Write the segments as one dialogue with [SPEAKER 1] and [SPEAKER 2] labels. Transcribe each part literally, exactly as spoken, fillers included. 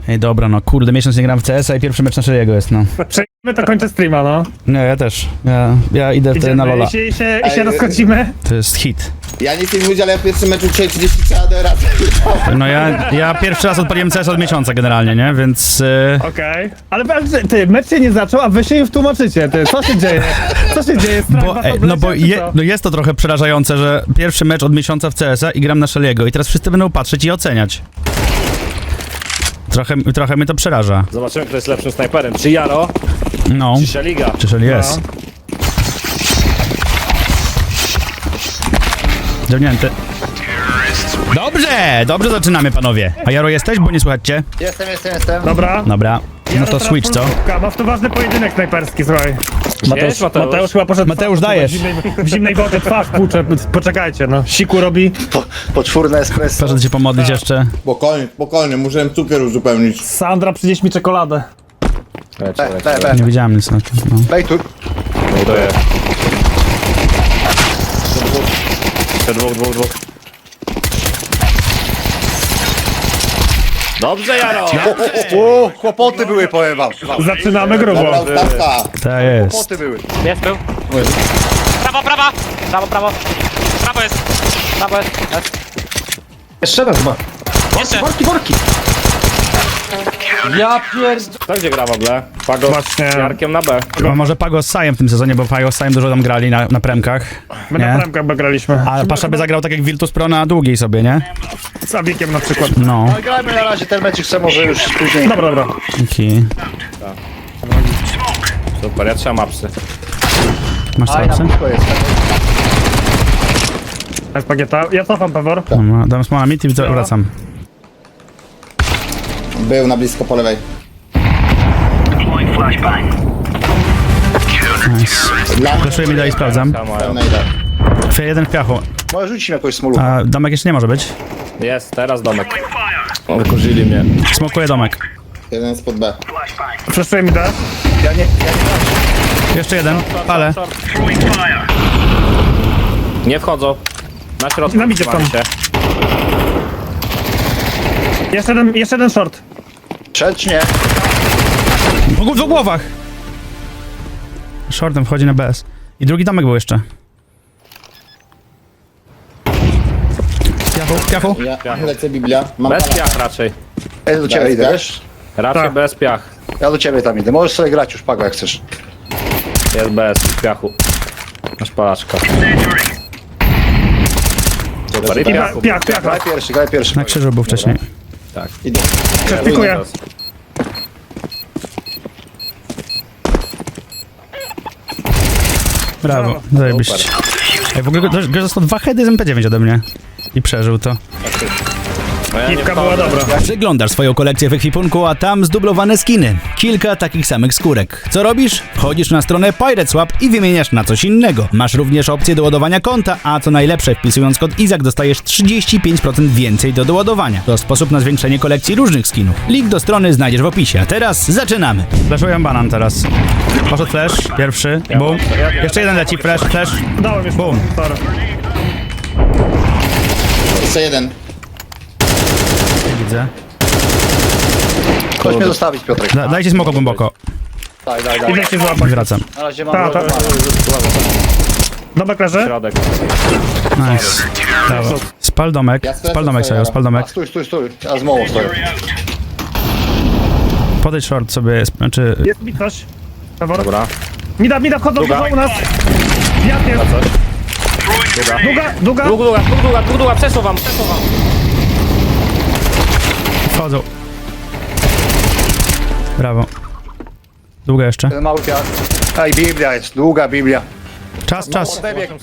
[SPEAKER 1] Ej, dobra, no kurde, miesiąc nie gram w C S a i pierwszy mecz na Szeliego jest, no.
[SPEAKER 2] Przejdziemy to kończę streama, no.
[SPEAKER 1] Nie, ja też. Ja, ja idę wtedy na Lola.
[SPEAKER 2] I się, i się, i się
[SPEAKER 3] Ej,
[SPEAKER 2] rozchodzimy.
[SPEAKER 1] To jest hit.
[SPEAKER 3] Ja nic nie mówię, ale ja w pierwszym meczu dzisiaj trzydzieści trzeba do razy.
[SPEAKER 1] No ja, ja pierwszy raz odpaliłem C S od miesiąca generalnie, nie? Więc... Yy...
[SPEAKER 2] Okej. Ale ty, ty, mecz się nie zaczął, a wy się im tłumaczycie, ty. Co się dzieje? Co się dzieje? Strach
[SPEAKER 1] Bo,
[SPEAKER 2] was
[SPEAKER 1] ej, no bo
[SPEAKER 2] obleciał, czy
[SPEAKER 1] je,
[SPEAKER 2] co?
[SPEAKER 1] no jest to trochę przerażające, że pierwszy mecz od miesiąca w C S a i gram na Szeliego i teraz wszyscy będą patrzeć i oceniać. Trochę, trochę mnie to przeraża.
[SPEAKER 4] Zobaczymy, kto jest lepszym snajperem. Czy Jaro,
[SPEAKER 1] No.
[SPEAKER 4] czy Szeliga.
[SPEAKER 1] Czy Szeli jest? Dziewnięty. Dobrze! Dobrze zaczynamy, panowie. A Jaro jesteś? Bo nie słychać cię.
[SPEAKER 3] Jestem, jestem, jestem.
[SPEAKER 2] Dobra.
[SPEAKER 1] Dobra. No to switch, co?
[SPEAKER 2] Masz tu ważny pojedynek snajperski, słuchaj.
[SPEAKER 4] Mateusz, Mateusz.
[SPEAKER 2] Mateusz chyba poszedł...
[SPEAKER 1] Mateusz, dajesz.
[SPEAKER 2] W zimnej, w zimnej wodzie twarz płucze. Poczekajcie, no. Siku robi.
[SPEAKER 5] Po, poczwórne espresso.
[SPEAKER 1] Proszę cię pomodlić jeszcze.
[SPEAKER 3] Spokojnie, spokojnie, muszę cukier uzupełnić.
[SPEAKER 2] Sandra, przynieś mi czekoladę.
[SPEAKER 4] Lecie,
[SPEAKER 5] B,
[SPEAKER 4] lecie.
[SPEAKER 5] B, B.
[SPEAKER 1] Nie widziałem nic na tym, no.
[SPEAKER 5] Daj tu.
[SPEAKER 4] Buduję. Jeszcze dwóch, dwóch, dwóch. Dobrze, Jaro!
[SPEAKER 5] O, kłopoty były, powiem wam.
[SPEAKER 2] Zaczynamy grubo.
[SPEAKER 3] Dobra, ustawka.
[SPEAKER 1] To jest.
[SPEAKER 5] Kłopoty były.
[SPEAKER 6] Jest był. Prawo, prawa! Prawo, prawo. Prawo jest. Prawo jest. jest.
[SPEAKER 5] Jeszcze raz chyba.
[SPEAKER 6] Jeszcze.
[SPEAKER 5] Worki, worki. Ja pierd...
[SPEAKER 4] Kto gdzie gra w ogóle? Pago
[SPEAKER 2] Właśnie.
[SPEAKER 4] z Jarkiem na B.
[SPEAKER 1] A może Pago z Sajem w tym sezonie, bo Pago z Sajem dużo tam grali na, na premkach.
[SPEAKER 2] My na
[SPEAKER 1] Nie?
[SPEAKER 2] bramkach by graliśmy.
[SPEAKER 1] A Pasza by zagrał tak jak Virtus Pro na długiej sobie, nie?
[SPEAKER 2] Z Abikiem na przykład.
[SPEAKER 1] No.
[SPEAKER 5] No grajmy na razie ten mecz, chcę może już później.
[SPEAKER 2] Dobra, dobra.
[SPEAKER 1] Dzięki.
[SPEAKER 4] Super, ja trzymam apsy.
[SPEAKER 1] Masz
[SPEAKER 5] Aj, na
[SPEAKER 1] serce?
[SPEAKER 5] blisko jest.
[SPEAKER 2] Jest pagieta. Ja cofam, Pewor.
[SPEAKER 1] No, dam smoła mit i wracam.
[SPEAKER 3] Był na blisko po lewej.
[SPEAKER 1] Nice.
[SPEAKER 3] Dla
[SPEAKER 1] Flaszuję mi dalej, sprawdzam.
[SPEAKER 4] Mają.
[SPEAKER 3] pełna idę.
[SPEAKER 1] Chwilę, jeden w piachu.
[SPEAKER 5] Może rzucić mi jakąś smolu.
[SPEAKER 1] A domek jeszcze nie może być.
[SPEAKER 4] Jest, teraz domek. O, wykurzyli mnie.
[SPEAKER 1] Smokuję domek.
[SPEAKER 3] Jeden jest pod B.
[SPEAKER 2] Przeszuję mi da.
[SPEAKER 5] Ja nie, ja nie.
[SPEAKER 1] Jeszcze jeden. Palę.
[SPEAKER 4] Nie wchodzą. Na środku.
[SPEAKER 2] Na midzie
[SPEAKER 4] trzymam
[SPEAKER 2] są.
[SPEAKER 4] się.
[SPEAKER 2] Jeszcze jeden, jeszcze jeden short.
[SPEAKER 5] Strzel czy nie?
[SPEAKER 1] W, w głowach! Shortem wchodzi na B S. I drugi domek był jeszcze. Piachu, piachu.
[SPEAKER 3] Ja lecę Biblia. Mam
[SPEAKER 4] Bez
[SPEAKER 3] pana.
[SPEAKER 4] piach raczej.
[SPEAKER 5] Ja do ciebie
[SPEAKER 3] Bez
[SPEAKER 5] idę,
[SPEAKER 3] piach?
[SPEAKER 5] wiesz?
[SPEAKER 4] Raczej
[SPEAKER 2] Tak.
[SPEAKER 4] bez piach.
[SPEAKER 5] Ja do ciebie tam idę. Możesz sobie grać już, Pago, jak chcesz.
[SPEAKER 4] Jest bez piachu. Masz palaczka. Super, i
[SPEAKER 2] I
[SPEAKER 4] piachu.
[SPEAKER 2] piach, piach.
[SPEAKER 5] Graj pierwszy, graj pierwszy.
[SPEAKER 1] Na krzyżu był wcześniej.
[SPEAKER 4] Tak.
[SPEAKER 3] Idę.
[SPEAKER 2] Dziękuję.
[SPEAKER 1] Brawo, zajebiście. Ej, w ogóle gość dostał dwa heady z M P dziewięć ode mnie. I przeżył to.
[SPEAKER 4] No ja nie
[SPEAKER 2] Piwka była
[SPEAKER 4] wchodzę.
[SPEAKER 2] dobra.
[SPEAKER 1] Przeglądasz swoją kolekcję w ekwipunku, a tam zdublowane skiny. Kilka takich samych skórek. Co robisz? Wchodzisz na stronę PirateSwap i wymieniasz na coś innego. Masz również opcję doładowania konta, a co najlepsze, wpisując kod Izak dostajesz trzydzieści pięć procent więcej do doładowania. To sposób na zwiększenie kolekcji różnych skinów. Link do strony znajdziesz w opisie. A teraz zaczynamy. Flashuję banan teraz. Poszedł flash, pierwszy, boom. Jeszcze jeden leci, flash, flash.
[SPEAKER 2] Dałem już.
[SPEAKER 1] Bum.
[SPEAKER 2] Sorry.
[SPEAKER 3] Jeszcze jeden.
[SPEAKER 1] Widzę.
[SPEAKER 5] Chodź mnie zostawić, Piotrek.
[SPEAKER 1] Da, dajcie smoko głęboko.
[SPEAKER 5] Daj, daj, daj.
[SPEAKER 2] Idę się
[SPEAKER 1] I
[SPEAKER 2] złapać.
[SPEAKER 1] wracam.
[SPEAKER 5] Na razie mam...
[SPEAKER 2] Ta, ta. Dobek leży.
[SPEAKER 4] Środek.
[SPEAKER 1] Nice. Brawo. Spal domek,
[SPEAKER 3] Ja
[SPEAKER 1] spal domek sobie, spal
[SPEAKER 5] A,
[SPEAKER 1] domek.
[SPEAKER 5] stój, stój, stój. Ja z mołą stoję.
[SPEAKER 1] Podejdź short sobie, znaczy...
[SPEAKER 2] Jest mi coś. Pewor.
[SPEAKER 4] Dobra.
[SPEAKER 2] Mida, mida, wchodzą,
[SPEAKER 4] Druga.
[SPEAKER 2] wchodzą u nas. Jak jest?
[SPEAKER 4] Druga.
[SPEAKER 2] Długa, długa.
[SPEAKER 4] Długa, długa, długa, długa, długa, przesuwam, przesuwam.
[SPEAKER 1] Wchodzą. Brawo. Długa jeszcze.
[SPEAKER 5] Ten mały piach. Ej, Biblia jest. Długa Biblia.
[SPEAKER 1] Czas, czas.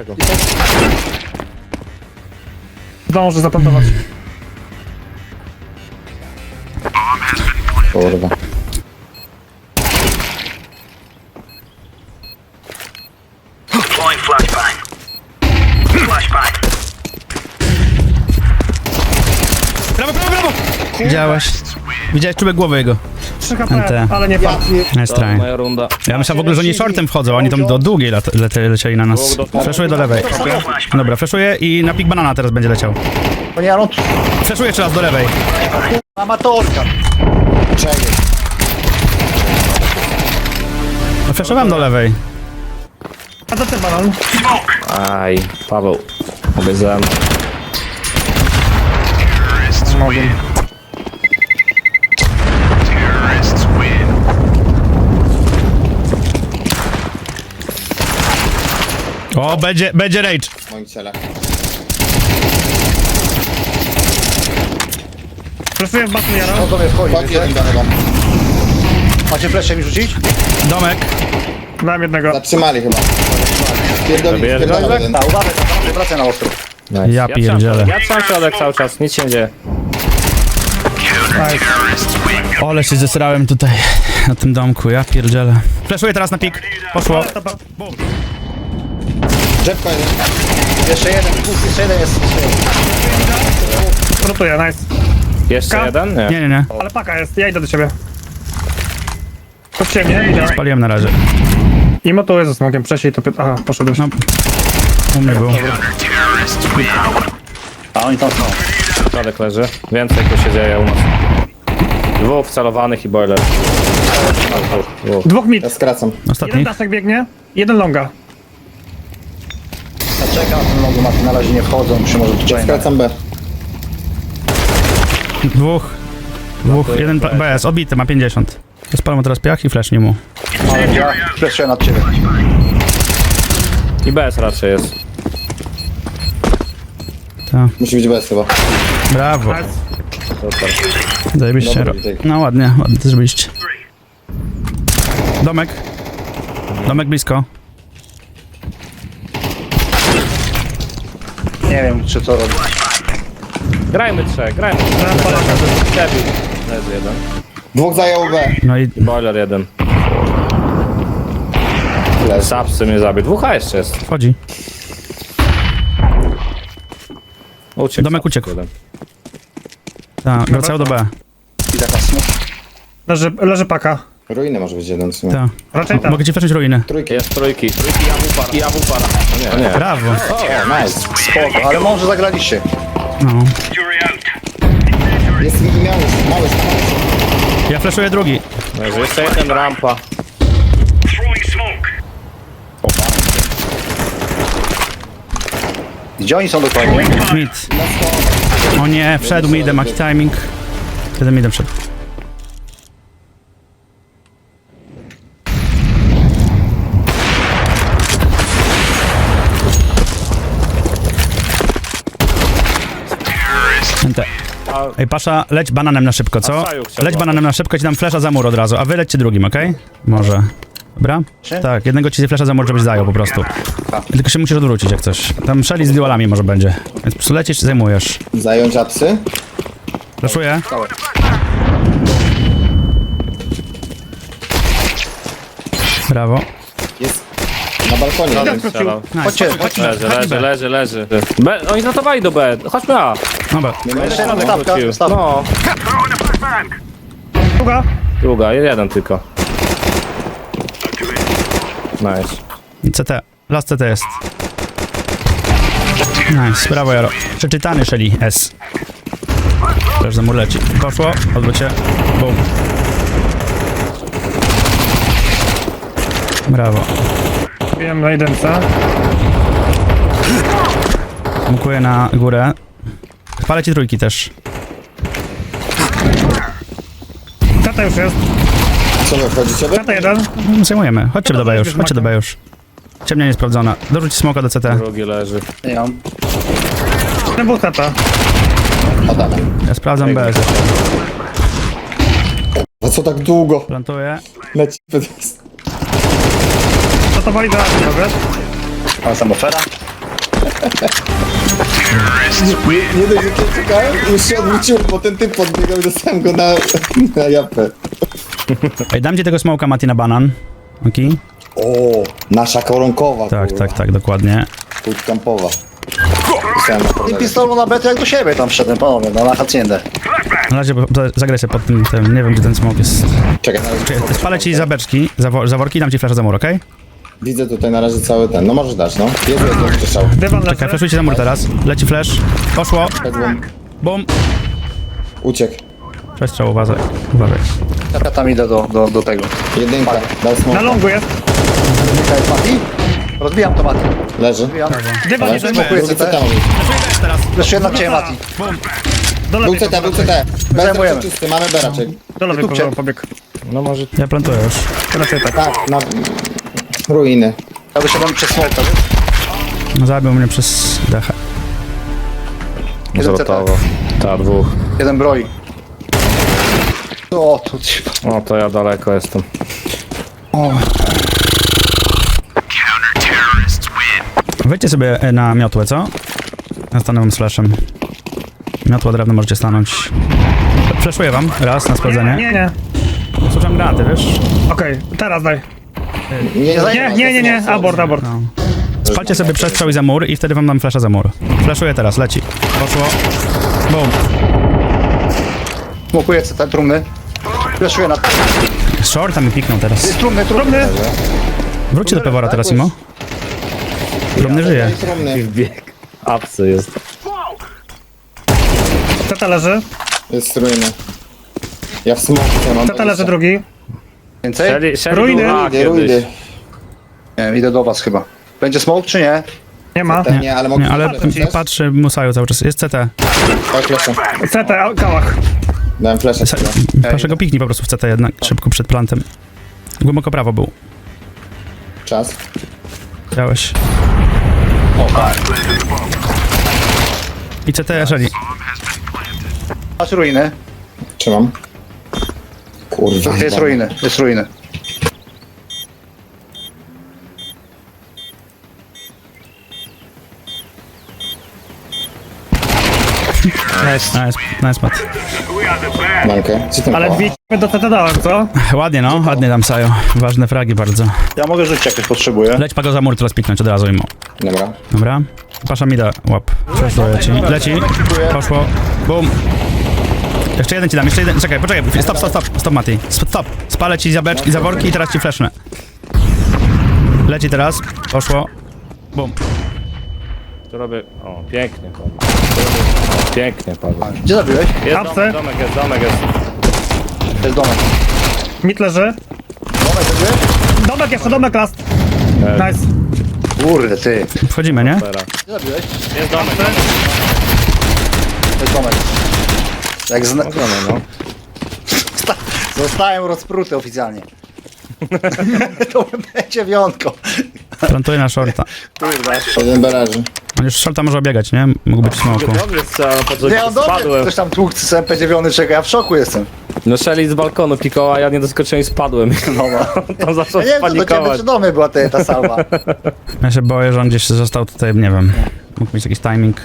[SPEAKER 2] Zdążę zaplantować.
[SPEAKER 3] Kurwa.
[SPEAKER 1] Brawo, brawo, brawo! Widziałeś? Widziałeś czubek głowy jego.
[SPEAKER 2] trzy
[SPEAKER 1] N
[SPEAKER 2] H P,
[SPEAKER 1] T.
[SPEAKER 2] ale nie padł.
[SPEAKER 1] Nice
[SPEAKER 4] To
[SPEAKER 1] try.
[SPEAKER 4] moja runda.
[SPEAKER 1] Ja myślałem w ogóle, że oni shortem wchodzą, a oni tam do długiej lat, lete, lecieli na nas. Flashuję do lewej. Dobra, flashuję i na pik banana teraz będzie leciał.
[SPEAKER 5] Panie Aaron,
[SPEAKER 1] Flashuję jeszcze raz do lewej.
[SPEAKER 5] amatorka.
[SPEAKER 1] Fleszowałem do lewej.
[SPEAKER 2] A to ty banan.
[SPEAKER 4] Aj, Paweł. Obiecałem.
[SPEAKER 2] Mogłem.
[SPEAKER 1] O, będzie, będzie rage.
[SPEAKER 3] W moim ciele.
[SPEAKER 2] Presuję w baku Jaro.
[SPEAKER 5] On do mnie wchodzi,
[SPEAKER 3] Chodź
[SPEAKER 5] wiecie?
[SPEAKER 3] jeden do niego.
[SPEAKER 5] Macie flesze mi rzucić?
[SPEAKER 1] Domek.
[SPEAKER 2] Dałem jednego.
[SPEAKER 3] Zatrzymali chyba. Pierdoli,
[SPEAKER 4] Zabierz go,
[SPEAKER 3] pierdolę
[SPEAKER 4] Izak?
[SPEAKER 3] jeden.
[SPEAKER 5] Tak, uważaj, uważaj, wracaj na ostro.
[SPEAKER 4] Nice.
[SPEAKER 1] Ja
[SPEAKER 4] trzymam
[SPEAKER 1] pierdzielę.
[SPEAKER 4] środek, Ja trzymam środek cały czas, nic się nie dzieje.
[SPEAKER 1] Ole się zesrałem tutaj na tym domku, ja pierdzielę. Fleszuję teraz na pik. Poszło.
[SPEAKER 3] Drzewko jeden.
[SPEAKER 5] Jeszcze jeden, dwóch, jeszcze jeden jest.
[SPEAKER 2] Rotuję, nice.
[SPEAKER 4] Jeszcze
[SPEAKER 2] Ka?
[SPEAKER 4] jeden? Nie.
[SPEAKER 1] Nie, nie, nie.
[SPEAKER 2] Ale paka jest, ja idę do ciebie. Chodźcie mnie, idę.
[SPEAKER 1] Paliłem na razie.
[SPEAKER 2] I motuję ze smokiem, przesiej to... Aha, poszedłeś.
[SPEAKER 1] No. U mnie był.
[SPEAKER 5] A oni tam są.
[SPEAKER 4] Środek leży. Więcej tu się dzieje u nas. Dwóch wcelowanych i boiler. Dwóch, dwóch.
[SPEAKER 2] Dwóch mid.
[SPEAKER 3] Ja skracam.
[SPEAKER 2] Jeden
[SPEAKER 1] Ostatni.
[SPEAKER 2] daszek biegnie, jeden longa.
[SPEAKER 5] Ja czekam na ten logo, Mati, na razie nie wchodzą, przy może tu
[SPEAKER 3] Skracam B.
[SPEAKER 1] Dwóch. Dwóch. Jeden pla- B S. Odbity, ma pięćdziesiąt. Spalam mu teraz piach i flesznie mu.
[SPEAKER 5] Ale ja fleszuję nad ciebie.
[SPEAKER 4] I B S raczej jest.
[SPEAKER 1] Tak.
[SPEAKER 3] Musi być bez chyba.
[SPEAKER 1] Brawo.
[SPEAKER 2] Nice.
[SPEAKER 4] Super.
[SPEAKER 1] Zajebiście.
[SPEAKER 3] Dobry
[SPEAKER 1] ro-
[SPEAKER 3] wytyk.
[SPEAKER 1] No ładnie, ładnie to zrobiliście. Domek. Domek blisko.
[SPEAKER 5] Nie wiem, czy to robi.
[SPEAKER 4] Grajmy trzech, grajmy trzech.
[SPEAKER 2] Dałem palaka.
[SPEAKER 4] Debil. Leży jeden.
[SPEAKER 3] Dwóch zajął B.
[SPEAKER 1] No i
[SPEAKER 4] Boiler jeden.
[SPEAKER 3] Leży.
[SPEAKER 4] Sapsy mnie zabił. Dwóch A jeszcze jest.
[SPEAKER 1] wchodzi.
[SPEAKER 4] Uciekł.
[SPEAKER 1] Domek
[SPEAKER 4] Sapsy
[SPEAKER 1] uciekł.
[SPEAKER 4] jeden.
[SPEAKER 1] Tak, wracają do B.
[SPEAKER 5] I taka smut.
[SPEAKER 2] Leży, leży paka.
[SPEAKER 3] Ruiny może być jeden w sumie.
[SPEAKER 1] Tak.
[SPEAKER 2] Raczej tak.
[SPEAKER 1] Mogę ci fleszyć ruiny.
[SPEAKER 3] Trójki.
[SPEAKER 4] Jest trójki. Trójki i AWP. I AWP. No nie, nie.
[SPEAKER 1] Brawo.
[SPEAKER 3] O, nice.
[SPEAKER 5] Spoko, ale może zagraliście.
[SPEAKER 1] No.
[SPEAKER 3] Jest mi miał już. Mały, mały.
[SPEAKER 1] Ja fleszuję drugi.
[SPEAKER 4] Leży jeszcze jeden rampa.
[SPEAKER 5] Gdzie oni są dokładnie?
[SPEAKER 1] Mid. O nie, wszedł midem, jaki timing. Wtedy midem wszedł. Te. Ej, Pasza, leć bananem na szybko, co?
[SPEAKER 4] A Saju chciał
[SPEAKER 1] Leć
[SPEAKER 4] łapać.
[SPEAKER 1] bananem na szybko, ci dam flesza za mur od razu, a wy lećcie drugim, okej? Może. Dobra?
[SPEAKER 5] Czy?
[SPEAKER 1] Tak, jednego ci flesza za mur, żebyś zajął po prostu. Tylko się musisz odwrócić jak coś. Tam szeli z dualami może będzie. Więc po prostu lecisz i zajmujesz.
[SPEAKER 3] Zająć apsy.
[SPEAKER 1] Fleszuję. Brawo.
[SPEAKER 3] Jest na balkonie.
[SPEAKER 4] Żaden
[SPEAKER 3] jeden.
[SPEAKER 4] strzelał.
[SPEAKER 1] Nice.
[SPEAKER 5] Chodźcie,
[SPEAKER 1] Chodź,
[SPEAKER 5] chodźcie.
[SPEAKER 1] chodź,
[SPEAKER 4] Leży,
[SPEAKER 1] chodź
[SPEAKER 4] leży,
[SPEAKER 1] B.
[SPEAKER 4] leży, leży. B, oni zatowali do B. Chodźmy A.
[SPEAKER 1] Dobra.
[SPEAKER 5] Jeszcze jedna stawka,
[SPEAKER 4] Wrócił.
[SPEAKER 5] stawka.
[SPEAKER 4] No,
[SPEAKER 2] Druga.
[SPEAKER 4] druga, jeden tylko. Nice.
[SPEAKER 1] C T. Last C T jest. Nice, brawo Jaro. Przeczytany Shelly S. Też za mur leci. Poszło, odwrócie. Bum. Brawo.
[SPEAKER 2] Wiem na jedynce.
[SPEAKER 1] Mukuję na górę. Palę ci trójki też.
[SPEAKER 2] Tata już jest.
[SPEAKER 3] Co wy wchodzicie? Wy?
[SPEAKER 2] Tata jeden.
[SPEAKER 1] Zajmujemy. Chodźcie do B już, chodźcie do B już. Ciemnia niesprawdzona. Dorzuć smoka do C T.
[SPEAKER 4] Drugi leży.
[SPEAKER 5] Nie mam.
[SPEAKER 2] Ten był tata.
[SPEAKER 3] Adamem.
[SPEAKER 1] Ja sprawdzam B.
[SPEAKER 3] A co tak długo?
[SPEAKER 1] Plantuję.
[SPEAKER 3] Leci.
[SPEAKER 2] Tata wali do Asi, wiesz?
[SPEAKER 5] Mam samofera.
[SPEAKER 3] Nie, nie dość, że cię czekałem, już się odwróciłem, bo ten typ podbiegał i dostałem go na, na japę.
[SPEAKER 1] Ej, dam ci tego smoka, Mati, na banan. Okej?
[SPEAKER 3] O, nasza koronkowa,
[SPEAKER 1] Tak,
[SPEAKER 3] kurwa.
[SPEAKER 1] tak, tak, dokładnie.
[SPEAKER 3] Bootcampowa. Pisałem na
[SPEAKER 5] I
[SPEAKER 3] portalu.
[SPEAKER 5] pistolu na betę jak do siebie tam wszedłem, panowie, no na haciendę.
[SPEAKER 1] Na razie po- to zagraj sobie pod tym, tym, nie wiem gdzie ten smok jest.
[SPEAKER 3] Czekaj, na razie.
[SPEAKER 1] Czekaj, spalę ci za beczki, za, wo- za worki, dam ci flasza za mur, okej?
[SPEAKER 3] Widzę tutaj na razie cały ten, no możesz dać, no. Jest, jest, jest, strzał.
[SPEAKER 2] Dywan
[SPEAKER 1] Czekaj,
[SPEAKER 2] leży.
[SPEAKER 1] flashujcie za mur teraz. Leci flash. Poszło.
[SPEAKER 3] Pedłom.
[SPEAKER 1] Bum.
[SPEAKER 3] Uciekł.
[SPEAKER 1] Przestrzał, uważaj. Uważaj.
[SPEAKER 5] Ja tam idę do, do, do tego.
[SPEAKER 3] Jedynka, dał
[SPEAKER 2] Na
[SPEAKER 3] smoka.
[SPEAKER 2] longu jest.
[SPEAKER 5] Jedynka jest Mati. Rozbijam to Mati.
[SPEAKER 3] Leży.
[SPEAKER 5] Rozbijam.
[SPEAKER 2] Dywan
[SPEAKER 3] Ale
[SPEAKER 2] jeden
[SPEAKER 5] smokuję.
[SPEAKER 3] drugi C T mówi.
[SPEAKER 5] Jeszcze jedna cię Mati.
[SPEAKER 2] Do
[SPEAKER 3] Był
[SPEAKER 2] lewej
[SPEAKER 3] C T, był
[SPEAKER 2] pobiegł.
[SPEAKER 3] C T. Bez
[SPEAKER 5] Zajmujemy.
[SPEAKER 3] czysty, mamy B raczej.
[SPEAKER 2] Do lewej
[SPEAKER 5] Kupcie.
[SPEAKER 2] pobiegł.
[SPEAKER 4] No może...
[SPEAKER 1] Ja plantuję już.
[SPEAKER 2] Raczej tak.
[SPEAKER 3] Tak, na... Ruiny.
[SPEAKER 5] Ja wyszedłem przez smoka, wiesz?
[SPEAKER 1] Zabił mnie przez dechę.
[SPEAKER 5] Jeden
[SPEAKER 4] Zrotowo. Ta, dwóch.
[SPEAKER 5] Jeden broi. O, tu ci...
[SPEAKER 4] O, to ja daleko jestem.
[SPEAKER 1] Wejdźcie sobie e, na miotłę, co? Ja stanę wam z flashem. Miotła drewno możecie stanąć. Flashuję wam raz na sprawdzenie.
[SPEAKER 2] Nie, nie.
[SPEAKER 1] Słucham granaty, wiesz?
[SPEAKER 2] Okej, teraz daj.
[SPEAKER 3] Nie,
[SPEAKER 2] Nie, nie, nie, nie. Abort, abort.
[SPEAKER 1] No. Spalcie sobie przestrzał i za mur i wtedy wam dam flasha za mur. Flashuję teraz, leci. Poszło. Boom.
[SPEAKER 5] Smokuję C T, trumny. Fleszuję na...
[SPEAKER 1] Shorta mi piknął teraz.
[SPEAKER 5] Jest trumny, trumny.
[SPEAKER 1] Wróćcie do pewora teraz, Imo. Drobny żyje.
[SPEAKER 3] Trumny.
[SPEAKER 4] Bieg. Apsy jest.
[SPEAKER 2] Teta leży.
[SPEAKER 3] Jest ruiny. Ja w smoku mam.
[SPEAKER 2] Teta leży drugi.
[SPEAKER 5] Więcej?
[SPEAKER 4] Shelly, Shelly
[SPEAKER 2] Ruiny.
[SPEAKER 4] była
[SPEAKER 3] Ruiny,
[SPEAKER 4] kiedyś.
[SPEAKER 3] ruiny.
[SPEAKER 5] Nie wiem, idę do was chyba. Będzie smoke czy nie?
[SPEAKER 2] Nie ma.
[SPEAKER 3] Nie, nie, ale mogę...
[SPEAKER 1] Nie, ale
[SPEAKER 3] Patrzę ci.
[SPEAKER 1] patrzy Musaju cały czas. Jest C T.
[SPEAKER 3] Tak, flasha.
[SPEAKER 2] C T, kałach.
[SPEAKER 3] Dałem flasha.
[SPEAKER 1] Se- Proszę go piknij po prostu w C T jednak, szybko przed plantem. Głęboko prawo był.
[SPEAKER 3] Czas.
[SPEAKER 1] Widziałeś. I C T jeżeli.
[SPEAKER 5] Masz ruiny.
[SPEAKER 3] Trzymam. Kurwa.
[SPEAKER 5] Jest ruiny, jest ruiny.
[SPEAKER 1] Nice. Nice, nice Matt.
[SPEAKER 3] Mankę. Co tam
[SPEAKER 2] Ale
[SPEAKER 3] koła?
[SPEAKER 2] dwie do C T dałem, co?
[SPEAKER 1] Ładnie no, ładnie tam Sajo. Ważne fragi bardzo.
[SPEAKER 5] Ja mogę rzucić jakieś potrzebuję.
[SPEAKER 1] Leć pago za mur, teraz piknąć od razu Imo.
[SPEAKER 3] Dobra.
[SPEAKER 1] Dobra. Pasza mi da łap. Przeszło ci. Leci. Poszło. Bum. Jeszcze jeden ci dam, jeszcze jeden. Czekaj, poczekaj. Stop, stop, stop. Stop, Mati. Stop, stop. Spalę ci za beczki, za worki i teraz ci flashnę. Leci teraz. Poszło. Bum.
[SPEAKER 4] Tu robię... O, pięknie, Paweł. Tu robię... O, pięknie, Paweł.
[SPEAKER 5] Gdzie zabiłeś?
[SPEAKER 4] Jest
[SPEAKER 2] Apsy.
[SPEAKER 4] domek, domek jest, domek jest.
[SPEAKER 5] To jest domek.
[SPEAKER 2] Mit leży.
[SPEAKER 5] Domek zabiłeś?
[SPEAKER 2] Domek jeszcze, domek last.
[SPEAKER 4] E,
[SPEAKER 2] Nice.
[SPEAKER 5] Kurde, ty.
[SPEAKER 1] Wchodzimy, nie?
[SPEAKER 4] Teraz.
[SPEAKER 5] Gdzie zabiłeś?
[SPEAKER 4] Jest domek, domek.
[SPEAKER 5] To jest domek. Jak zna...
[SPEAKER 4] Możemy, no.
[SPEAKER 5] Zostałem rozpruty oficjalnie. To będzie wyjątko.
[SPEAKER 1] Plantuję na shorta.
[SPEAKER 5] Kurde.
[SPEAKER 3] Jeden baraży.
[SPEAKER 1] On już shorta może obiegać, nie? Mógł być w smoku.
[SPEAKER 4] Dobry strzał, po co
[SPEAKER 5] Nie, on dobry.
[SPEAKER 4] spadłem.
[SPEAKER 5] Ktoś tam tłukł z M P dziewięć, czeka, ja w szoku jestem.
[SPEAKER 4] No Shelly z balkonu pikała, a ja nie doskoczyłem i spadłem.
[SPEAKER 5] No, no.
[SPEAKER 4] Tam zaczął
[SPEAKER 5] Ja nie wiem, co do ciebie
[SPEAKER 4] spanikować.
[SPEAKER 5] czy do mnie była ta, ta salwa.
[SPEAKER 1] Ja się boję, że on gdzieś został tutaj, nie wiem. Mógł mieć jakiś timing.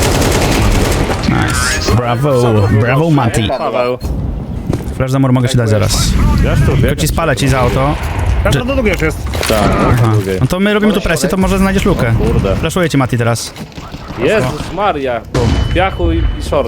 [SPEAKER 1] Nice. Brawo. Brawo, Mati.
[SPEAKER 4] Paweł.
[SPEAKER 1] Flash za mur mogę ci dać zaraz.
[SPEAKER 4] Wiesz tu,
[SPEAKER 1] Tylko
[SPEAKER 4] wiesz?
[SPEAKER 1] ci spalę ci za auto.
[SPEAKER 2] Teraz to do drugiej już jest.
[SPEAKER 4] Tak,
[SPEAKER 1] Aha.
[SPEAKER 4] drugiej.
[SPEAKER 1] No to my robimy tu presję, to może znajdziesz lukę.
[SPEAKER 4] Kurde.
[SPEAKER 1] Flashuję ci Mati teraz.
[SPEAKER 4] Jezus Maria. Piachu i, i short.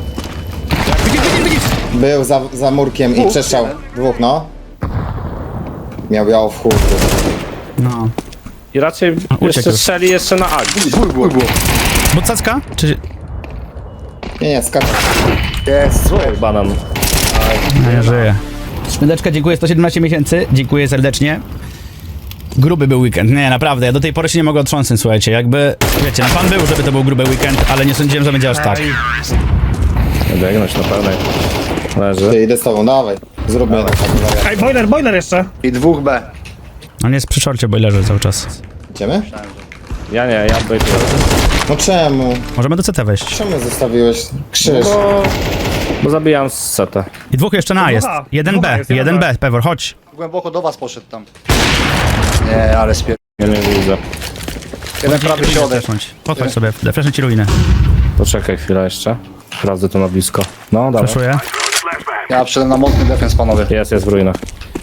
[SPEAKER 3] Był za, za murkiem i przestrzał. Dwóch, no. Miał biało w chuj.
[SPEAKER 1] No.
[SPEAKER 4] I raczej
[SPEAKER 1] uciekł
[SPEAKER 4] jeszcze
[SPEAKER 1] już.
[SPEAKER 4] strzeli jeszcze na agi.
[SPEAKER 5] Ból było.
[SPEAKER 1] Bucacka? Czy...
[SPEAKER 3] Nie, nie, skacz.
[SPEAKER 5] Jest, słuchaj.
[SPEAKER 4] Banan.
[SPEAKER 1] No, ja żyję. Smydeczka, dziękuję, sto siedemnaście miesięcy. Dziękuję serdecznie. Gruby był weekend. Nie, naprawdę, ja do tej pory się nie mogę otrząsnąć, słuchajcie. Jakby, wiecie, no pan był, żeby to był gruby weekend, ale nie sądziłem, że będzie aż tak.
[SPEAKER 4] Biegnąć na pełnej. Leży.
[SPEAKER 3] Ty, idę z tobą, dawaj. Zróbmy na taką wariantę.
[SPEAKER 2] Ej, boiler, boiler jeszcze.
[SPEAKER 5] I dwóch B.
[SPEAKER 1] On jest przy szorcie, bo leży cały czas.
[SPEAKER 3] Idziemy?
[SPEAKER 4] Ja nie, ja bym...
[SPEAKER 3] No czemu?
[SPEAKER 1] Możemy do C T wejść.
[SPEAKER 3] Czemu zostawiłeś krzyż?
[SPEAKER 4] Bo... Bo zabijam z setę.
[SPEAKER 1] I dwóch jeszcze na jest.
[SPEAKER 2] Dwóch A.
[SPEAKER 1] Jeden
[SPEAKER 2] Dwóch A
[SPEAKER 1] B,
[SPEAKER 2] jest, jeden
[SPEAKER 1] jeden
[SPEAKER 2] B.
[SPEAKER 1] B, Pewor, chodź.
[SPEAKER 5] Głęboko do was poszedł tam. Nie, ale spier...
[SPEAKER 4] Ja nie widzę.
[SPEAKER 5] Jeden prawy środek.
[SPEAKER 1] Flashnąć. Podchodź sobie, flashnę ci ruinę.
[SPEAKER 4] Poczekaj chwilę jeszcze. Sprawdzę to na blisko. No, dobra.
[SPEAKER 1] Flashuję.
[SPEAKER 5] Ja przyszedłem na mocny defens, panowie.
[SPEAKER 4] Jest, jest w ruinach.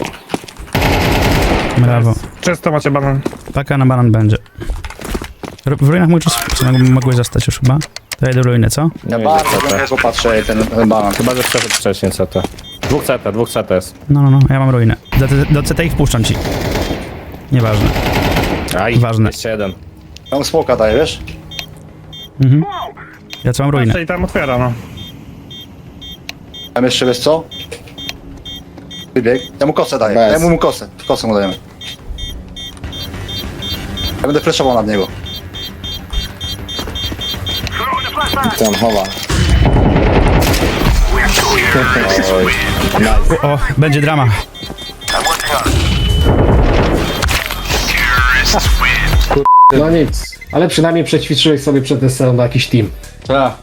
[SPEAKER 1] Brawo.
[SPEAKER 2] Czysto macie banan.
[SPEAKER 1] Paka na banan będzie. R- W ruinach mógł, mogłeś zostać już chyba. To ja idę do ruiny, co?
[SPEAKER 5] Ja
[SPEAKER 4] Nie
[SPEAKER 5] bardzo
[SPEAKER 4] widzę C T.
[SPEAKER 5] głęboko patrzę ten, ten banan.
[SPEAKER 4] Chyba, że przeszedł wcześniej C T. Dwóch C T, dwóch C T jest.
[SPEAKER 1] No, no, no, ja mam ruinę. Do, do C T ich wpuszczam ci. Nieważne.
[SPEAKER 4] Aj,
[SPEAKER 1] Ważne.
[SPEAKER 4] jeszcze jeden.
[SPEAKER 5] Tam smoka daje, wiesz?
[SPEAKER 1] Mhm. Ja co mam ruinę.
[SPEAKER 2] Czyli tam otwiera, no.
[SPEAKER 5] Tam jeszcze, wiesz co? Wybieg. Ja mu kosę daję.
[SPEAKER 3] Bez.
[SPEAKER 5] Dajemy mu kosę. Kosę mu dajemy. Ja będę flashował nad niego.
[SPEAKER 3] Tam chowa.
[SPEAKER 1] O, będzie drama.
[SPEAKER 7] No nic, ale przynajmniej przećwiczyłeś sobie przed testerem na jakiś team.
[SPEAKER 5] Tak.